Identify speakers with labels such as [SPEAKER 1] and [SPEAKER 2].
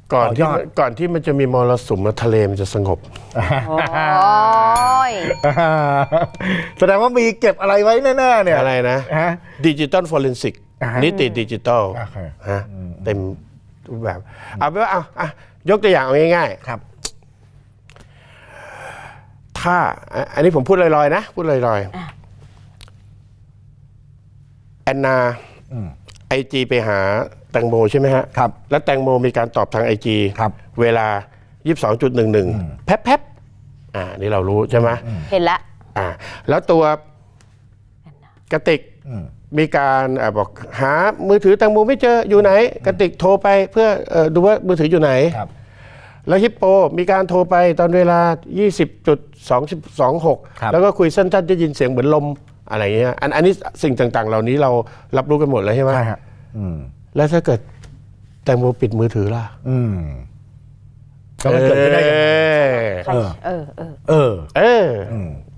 [SPEAKER 1] ก่อนที่มันจะมีมรสุมทะเลมันจะสงบ
[SPEAKER 2] โอ้ย
[SPEAKER 3] แสดงว่ามีเก็บอะไรไว้แน่ๆเนี่ย
[SPEAKER 1] อะไรนะ
[SPEAKER 3] ฮะ
[SPEAKER 1] ดิจิตอลฟอเรนซิก นิติดิจิตอล
[SPEAKER 3] โอเค
[SPEAKER 1] ฮะเต็มรูปแบบเอาไปนว่ายกตัวอย่างเอาง่ายๆ
[SPEAKER 3] ครับ
[SPEAKER 1] ถ้าอันนี้ผมพูดลอยๆนะพูดลอยๆแอนนาไอจีไปหาแตงโมใช่ไหมฮะ
[SPEAKER 3] ครับ
[SPEAKER 1] แล้วแตงโมมีการตอบทางไอจี
[SPEAKER 3] ครับ
[SPEAKER 1] เวลา 22.11 แป๊บนี่เรารู้ใช่ไหม
[SPEAKER 2] เห็นละ
[SPEAKER 1] แล้วตัวกระติกมีการบอกหามือถือแตงโมไม่เจออยู่ไหนกระติกโทรไปเพื่อดูว่ามือถืออยู่ไหน
[SPEAKER 3] ครับ
[SPEAKER 1] แล้วฮิปโปมีการโทรไปตอนเวลา 20.26
[SPEAKER 3] ครับ
[SPEAKER 1] แล้วก็คุยสั้นๆจะยินเสียงเหมือนลมอะไรอย่างเงี้ยอันนี้สิ่งต่างๆ เหล่านี้เรารับรู้กันหมดแล้วใช่ไหม
[SPEAKER 3] ใช่ฮะ
[SPEAKER 1] แล้วถ้าเกิดแตงโมปิดมือถือล่ะ
[SPEAKER 3] ก็มันเกิดขึ้นได้ยังไง
[SPEAKER 2] ใคร
[SPEAKER 3] เออ